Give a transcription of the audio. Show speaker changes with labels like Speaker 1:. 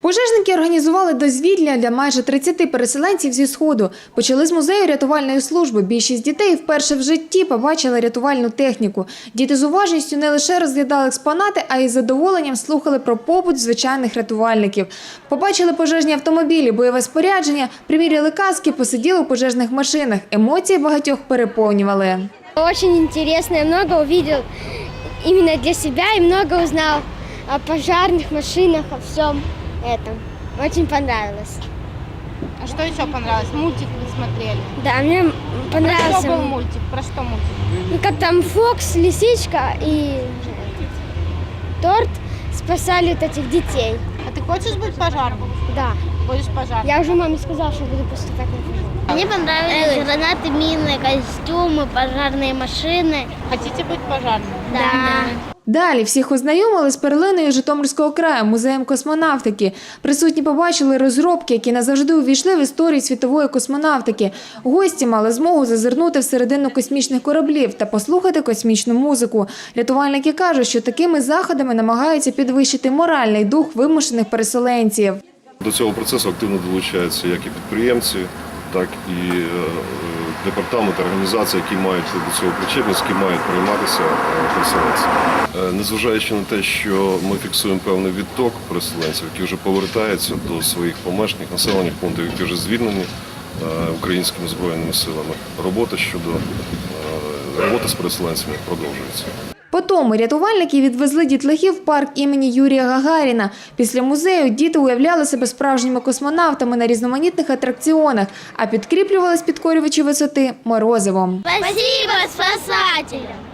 Speaker 1: Пожежники організували дозвілля для майже 30 переселенців зі Сходу. Почали з музею рятувальної служби. Більшість дітей вперше в житті побачили рятувальну техніку. Діти з уважністю не лише розглядали експонати, а й з задоволенням слухали про побут звичайних рятувальників. Побачили пожежні автомобілі, бойове спорядження, приміряли каски, посиділи у пожежних машинах. Емоції багатьох переповнювали.
Speaker 2: Дуже цікаво, я много увидел именно для себя и много узнал о пожарных машинах, о всем этом. Очень понравилось.
Speaker 3: А что еще понравилось? Мультик вы смотрели?
Speaker 2: Да, мне понравился.
Speaker 3: Про что был мультик? Про что мультик?
Speaker 2: Ну, как там Фокс, лисичка и торт спасали вот этих детей.
Speaker 3: А ты хочешь быть пожарным?
Speaker 2: Да.
Speaker 3: Будешь пожарным?
Speaker 2: Я уже маме сказала, что буду поступать на пожар.
Speaker 4: Мне понравились гранаты, мины, костюмы, пожарные машины.
Speaker 3: Хотите быть пожарным?
Speaker 4: Да.
Speaker 1: Далі всіх ознайомили з перлиною Житомирського краю – музеєм космонавтики. Присутні побачили розробки, які назавжди увійшли в історію світової космонавтики. Гості мали змогу зазирнути всередину космічних кораблів та послухати космічну музику. Рятувальники кажуть, що такими заходами намагаються підвищити моральний дух вимушених переселенців.
Speaker 5: До цього процесу активно долучаються як і підприємці, так і департаменти, організації, які мають до цього причетність, які мають прийматися переселенцями. Незважаючи на те, що ми фіксуємо певний відток переселенців, які вже повертаються до своїх помешкань, населених пунктів, які вже звільнені українськими збройними силами, робота з переселенцями продовжується.
Speaker 1: Потім рятувальники відвезли дітлахів в парк імені Юрія Гагаріна. Після музею діти уявляли себе справжніми космонавтами на різноманітних атракціонах, а підкріплювались підкорювачі висоти морозивом.
Speaker 4: Спасибо спасателям!